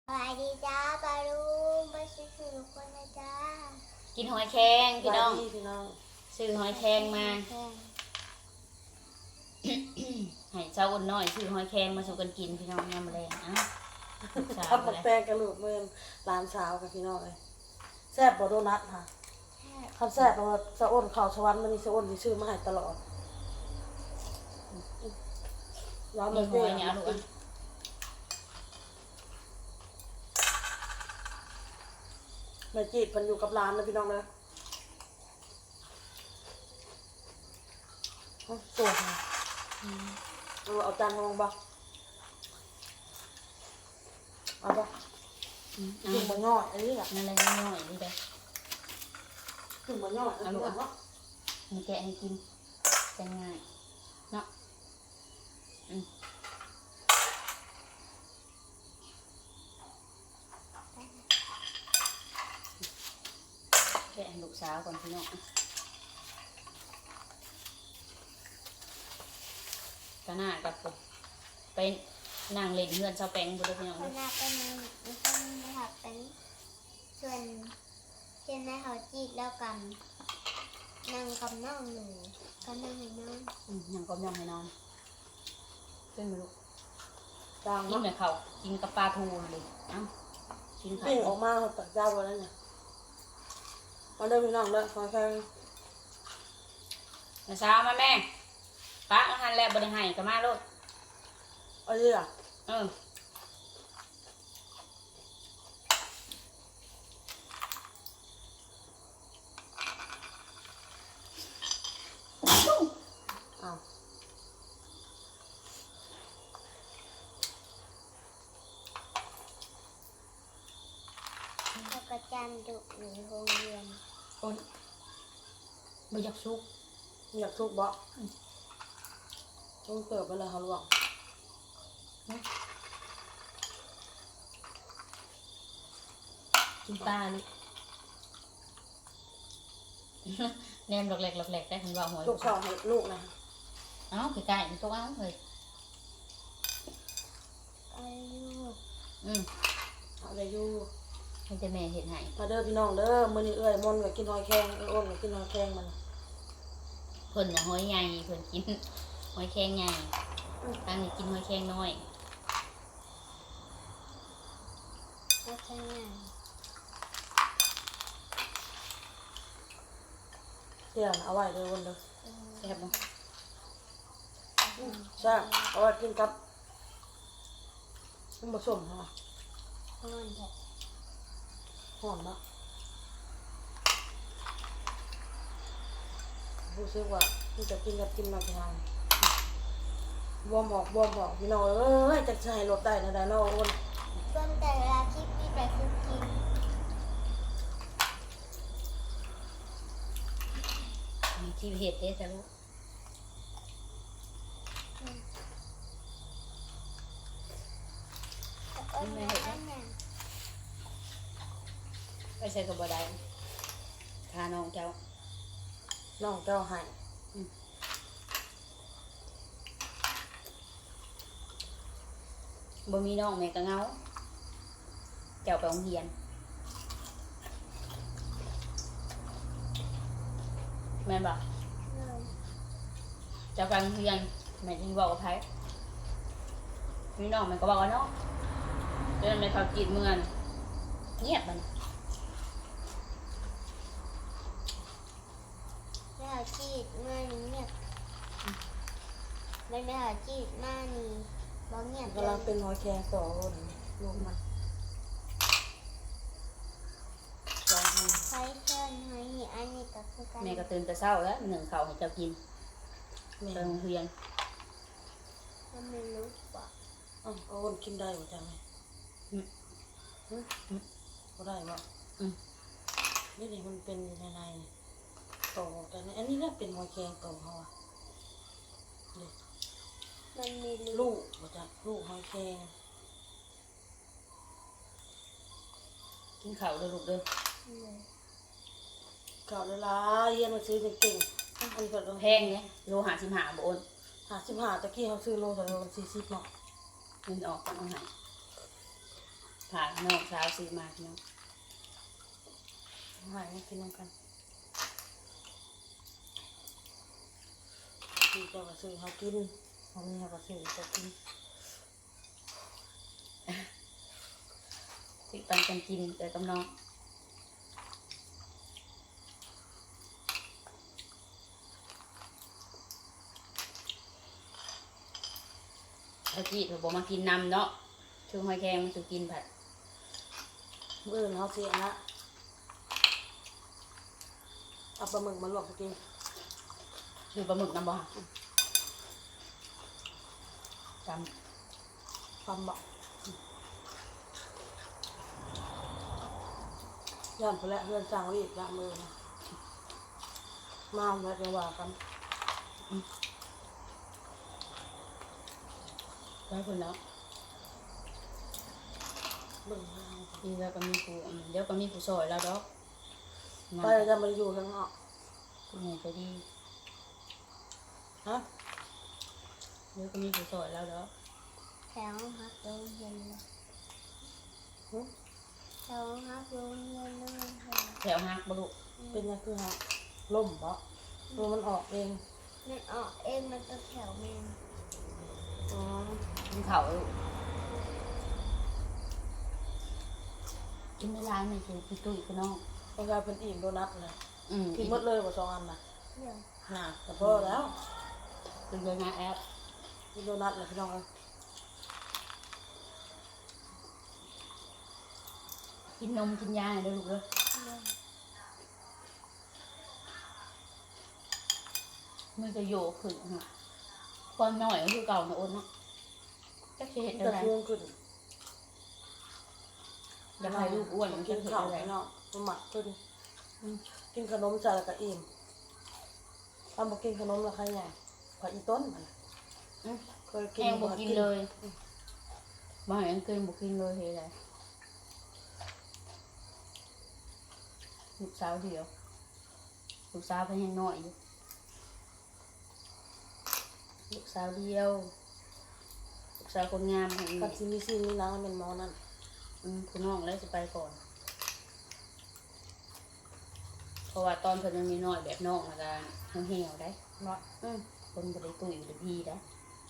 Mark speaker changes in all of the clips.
Speaker 1: สวัสดีจ้าปาลุงไปซื้อทุกคนนะจ้า
Speaker 2: กินหอยแครงพี่น้อง
Speaker 3: พี่น้อง
Speaker 2: ซื้อหอยแครงมาให้เจ้าอ้นน้อยซื้อหอยแครงมาสู่กันกินพี่น้องยำแรงอ่ะ
Speaker 3: ทับหมกแตงกระลูกเมื่อร้านสาวกับพี่น้องเลยแซ่บบ่โดนัทค่ะคำแซ่บเราสะอ้นข่าวชวันมันมีสะอ้นที่ชื่อมาให้ตลอดร้าน
Speaker 2: มี
Speaker 3: มัน
Speaker 2: ห
Speaker 3: เปรี้
Speaker 2: อย
Speaker 3: ยว
Speaker 2: เนี่ยลูกอ่ะ
Speaker 3: แม่จีบมันอยู่กับร้านนะพี่น้องนะตัวค่ะเอาจานมาลงบ่เอาบ่จุ่มบะง่อยอันนี้แหละ
Speaker 2: นั่นแหละน้อยๆนี่เลย
Speaker 3: จุ่มบะง่อยอันนี้เนาะ
Speaker 2: มีแกะให้กินจะง่ายเนาะแกะให้ลูกสาวก่อนพี่น้องก็น่ากับผมไปนั่งเล่นเพื่อนเจ้าแปงบุตรพี่น้อง
Speaker 1: ค
Speaker 2: เล
Speaker 1: น
Speaker 2: ย
Speaker 1: หน้าเป็นเป็นนะคะเป็นส่วนเช่นแม่เขาจีบแล้วกันนั่งกับน้องหนูก็นั่งให้น้อง
Speaker 2: ยังก็ยังให้นอนเป็นไหมลูก
Speaker 3: จาง
Speaker 2: กิน
Speaker 3: เนาะ
Speaker 2: แบบเขากินกับปลาทูเลยเอ้ากินข้าว
Speaker 3: ปิ้งออกมาตักเจ้าไว้แล้วเนี่ยมาเดินพี่น้องเด้อคอยแค่
Speaker 2: มาเช้ามาแม่ป้าอาหารแล้วบริหารกับมาลูก
Speaker 3: เอาดิอ่ะ
Speaker 2: เออ
Speaker 3: อ้าว
Speaker 1: แล้วก็จันดุหนูโรงเรียน
Speaker 2: คนไม่อยากซุก
Speaker 3: อยากทุกบ่ต้องเติบไปเลยค่ะลูก
Speaker 2: กินปลาลูก แนมหลอกแหลกหลอกแหลกได้คุณว่าหัว
Speaker 3: ลูกสาวให้ลูกนะ
Speaker 2: เอ้าไก่ๆมันก็เอาเลย
Speaker 1: อายุ
Speaker 3: เอาได้อยู่
Speaker 2: ให้แต่แม่เห็นให้
Speaker 3: มาเด้อพี่น้องเด้อมื้อนี้เอ้ยมนต์ก็กินหอยแครงเอ้ยอ้นก็กินหอยแครงมัน
Speaker 2: เพิ่นน่ะหอยใหญ่เพิ่นกินหอยแครงใหญ่ตั้งนี่กินหอยแครงน้อย
Speaker 1: ก็ใช่ไง
Speaker 3: เที่ยงเอาไว้เด้ออ้นเด้อ
Speaker 2: แซ่บบ่
Speaker 3: ใช่เอาไว้กินกับมันผสมค่ะ
Speaker 1: นอนเถอะ
Speaker 3: หอมมากรู้สึกว่าที่จะกินกับกินมาทานบวมออกพี่น้องเอ้ยจะใช้รถได้นะได้เนาะอ้น
Speaker 1: ส่วนแต่เวลาคลิปนี้ไปคือกิน
Speaker 2: มีที่เห็ดเด้จ้ะลูก
Speaker 1: แต่ก็ไม่ได้เนี่ย
Speaker 2: ไปใส่กับบ่ได้ทาน้องเจ้า
Speaker 3: น้องเจ้าให้
Speaker 2: บ่มีน้องแม่ก็เหงาเจ้าไปโรงเรียนแม่นบ่
Speaker 1: เลย
Speaker 2: เจ้าไปโรงเรียนแม่ที่บอกกับไผมีน้องแม่ก็บอกว่าเนาะเดินไปเขากินเมืองเงียบมัน
Speaker 1: ไม่หาจีดมานี่เงียบไม่หาจีดมานี่บ่เงียบ
Speaker 3: กำลังเป็นหอยแครงต่ออ้นลูกมันลองให้
Speaker 1: ใช้เชิญให้อันนี้ก็คือกัน
Speaker 2: แม่ก็ตื่นแต่เช้าแล้วหนึ่งเขาวให้เจ้ากิน
Speaker 3: แม่
Speaker 2: ไปโรงเรียน
Speaker 1: มันไม่รู้ว่า
Speaker 3: อ้าวอ้นกินได้บ่จังไงก็ได้บ่นี่มันเป็นในต่อกันอันนี้น่าเป็นหอยแครงต่อเขาอ่ะ
Speaker 1: มันมี
Speaker 3: ลูกบ่จักลูกหอยแครง
Speaker 2: กินข้าวเด้อลูกเด้อ
Speaker 1: เลย
Speaker 3: เก่าเลยล่ะเรียนมาซื้อเก่งๆอันนี้ก็
Speaker 2: แพงเนี่ยโล55บ่โอน
Speaker 3: 55ตะกี้เขาซื้อโลละ40เนาะ
Speaker 2: เงินออกก็เอาให้ผ่านน้องสาวซื้อมาพี่น้อง
Speaker 3: หายกินน้ำกันพี่ก็มาซื้อเขากินเขามีเขาก็ซื้อเขากิน
Speaker 2: สิปันกันกินแต่กับน้องตะกี้เราบอกมากินนำเนาะช่วงหอยแครงมันจะกินผัด
Speaker 3: มื้ออื่นเขาเสียละเอาปลาหมึกมาลวกกิน
Speaker 2: คือปลาหมึกน้ำบ่จ
Speaker 3: ความบอกย่านไปแล้วเพื่อนจ้างรีบละมือนะมาแล้วจะว่ากัน
Speaker 2: ำได้คนแล้ว
Speaker 3: เบิ่งมา
Speaker 2: ดีแล้วก็มีผู้เดี๋ยวก็มีผู้ซอยแล้วดอกงาน
Speaker 3: ไปจะมาอยู่ข้างนอก
Speaker 2: ผู้ใหญ่ใจดี
Speaker 3: ฮะ
Speaker 2: เดี๋ยวก็มีผู้ซอยแล้วดอก
Speaker 1: แถวฮักโรงเรียนเลย
Speaker 3: หึ
Speaker 1: แถวฮักโรงเรียนเลย
Speaker 2: แถวฮักบลุ
Speaker 3: เป็นยังคือฮะล่มบ่ตัวมันออกเอง
Speaker 1: มันออกเองมันก็แถวแมง
Speaker 3: อ๋อ
Speaker 2: กินเขาลูกกินในร้านนี่คือพี่ตุ้ยพี่น้อง
Speaker 3: มันกลายเป็นอิ่มโดนัทเลย กินหมดเลยกว่า2 อันนะ
Speaker 1: เดี๋ยว
Speaker 3: น่ะแต่พอแล้ว
Speaker 2: เป็นเลยนะแอป
Speaker 3: กินโดนัทเลยพี่น้องเอ้ย
Speaker 2: กินนมกินยาเลยลูกเลย
Speaker 1: เดี๋ยว
Speaker 2: มันจะโยกขึ้นค่ะความหน่อยก็คือเก่านะอ้นเนาะจะเห็น
Speaker 3: แต่
Speaker 2: อะไร
Speaker 3: ช่วงขึ้น
Speaker 2: อยากให้ลูกอ้วนมัน
Speaker 3: กิ
Speaker 2: จะ
Speaker 3: น
Speaker 2: เห็น
Speaker 3: ข้าว
Speaker 2: อะไร
Speaker 3: พี่น้องมันหมักขึ้น
Speaker 2: อืม
Speaker 3: กินขนมจ่ายแล้วก็อิ่มถ้าบอกกินขนมแล้วใครไงผัดอีต้นมัน
Speaker 2: อืม
Speaker 3: เคยกิน
Speaker 2: แห้งบอกกินเลยบางอย่างกินบอกกินเลยเฮ้ยอะไรลูกสาวเดียวลูกสาวเป็นยังน้อยอยู่ลูกสาวเดียวลูกสาวคนงามอย่างนี้
Speaker 3: กับซิมีซีมีน้ำเป็นหมอนั่น
Speaker 2: คุณน้องแล้วจะไปก่อน เพราะว่าตอนเพิ่นยังมีน้อยแบบน้องอาการเหี่ยวได้
Speaker 3: เนาะ
Speaker 2: คนบ่ได้ตุ้ยบ่ได้พี่ได้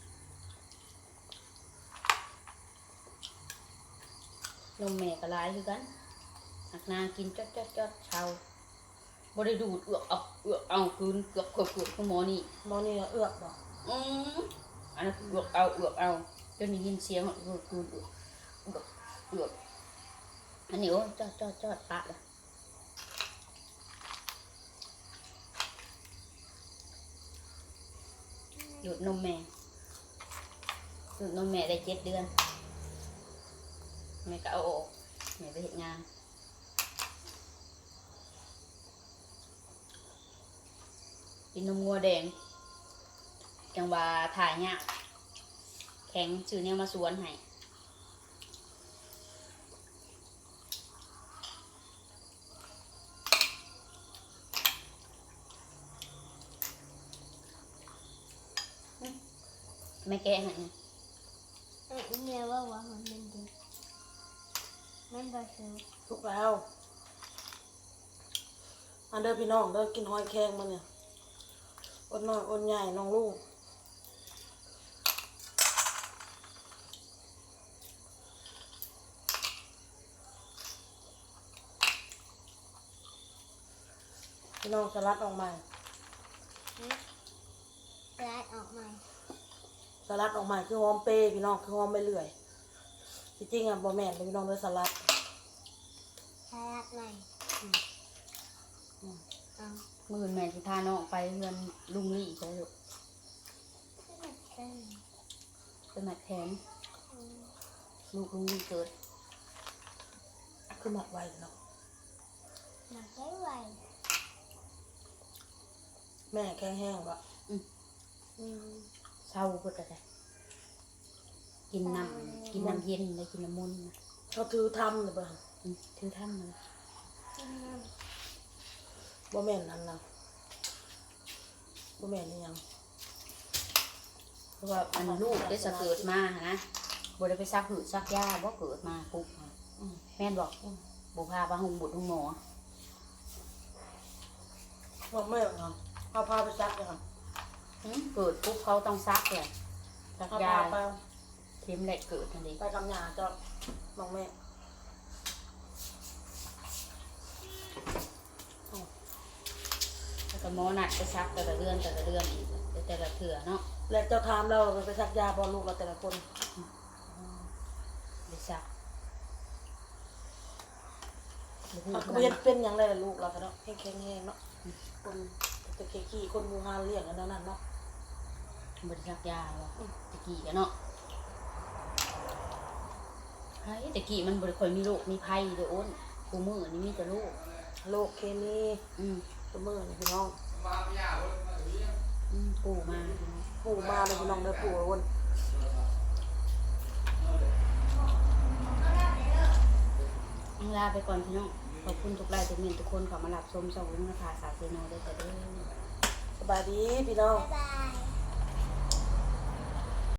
Speaker 2: นมแม่ก็หลายคือกันหักนากินจดเช้าบ่ได้ดูดเอือกเอาคืนเกือบของหมอนี่
Speaker 3: หมอนี่เอื้อกบ่
Speaker 2: อันนั้นเอือกเอาจนได้ยินเสียงเอือกอันนี้โอ้จอดปะละดูดนมแม่ดูดนมแม่ได้7 เดือนแม่ก็เอาออกแม่ไปเฮ็ดงานกินนมงัวแดงจังว่าถ่ายเนี่ยแข็งซื้อเนี่ยมาสวนให้ไม่แกะให้
Speaker 1: เมียว่ามันเป็นดีมันบาสู
Speaker 3: ทุกแล้วอันเด้อพี่น้องเด้อกินหอยแครงมาเนี่ยอดน้อยอดใหญ่น้องลูกพี่น้องสลัดออกมา
Speaker 1: ร้ายออกมา
Speaker 3: สลัดออกมาคือหอมเปย์พี่น้องคือหอมไปเรื่อยจริงๆอ่ะบ่แม่นเลยพี่น้องเลยสลัด
Speaker 1: สลัดใหม่เอา
Speaker 2: มื่นแม่สิพาน้องไปเรือนลุงลี่ใช่ลูก
Speaker 1: ขึ้น
Speaker 2: เป็นหมัดแขนลูกลุงลี่เกิด
Speaker 3: คือหมักไว้เนาะ
Speaker 1: มาใช้ไว
Speaker 3: แม่แข็งแห้งบ่
Speaker 2: เศร้าเพิ่นก็ได้กินน้ำเย็นเลยกินน้ำมนต์นะ
Speaker 3: เขาถือทำเลยเบิ่ง
Speaker 2: ถือท่านเลย
Speaker 1: กินน้
Speaker 3: บ่แม่นอันนั้นบ่แม่นอีหยัง
Speaker 2: เพราะว่ามันลูกได้สะเกิดมานะบ่ได้ไปซักหืดซักยาบ่เกิดมาปุ๊บแม่นบอกบุพาปะหงบุตรหงหมอ
Speaker 3: บอกแม่ครับเอาพาไปซักเลยครับ
Speaker 2: เกิดปุ๊บเขาต้องซักเลยซัก
Speaker 3: เอา
Speaker 2: ยา
Speaker 3: พาไป
Speaker 2: เข็มแหลกเกิดทันที
Speaker 3: ไปกับหยาเจ้าบอกแม่
Speaker 2: แล้วก็หมอนัดไปซักแต่ละเดือนอีกแต่ละเถื่อเนาะ
Speaker 3: แล้วเจ้าถามเราไปซักยาบอลูกเราแต่ละคน
Speaker 2: ไปซัก
Speaker 3: เขาก็ไม่เป็นอย่างไรล่ะลูกเราก็เนาะแข็งเนาะคนตะเกียคนมูฮาเลี้ยงอันนั้นเนาะ
Speaker 2: บริซักยาว่ะตะกี้กันเนาะไอ้ตะกี้มันบริคอยมีโรคมีภัยเด้ออ้นกูมือนี่มีแต่โรค
Speaker 3: โลกเคมี ตัวมือนี่พี่น้อง
Speaker 2: ปู่มา
Speaker 3: ปู่มาเลยพี่น้องเด้อปู่อ้วน
Speaker 2: ลาไปก่อนพี่น้องขอบคุณทุกไลน์ทุกเมนทุกคนขอมารับชมช่องวินภาษาเซโนด้วยกันเด้อ
Speaker 3: สบายดีพี่น้อง
Speaker 1: บ๊ายบาย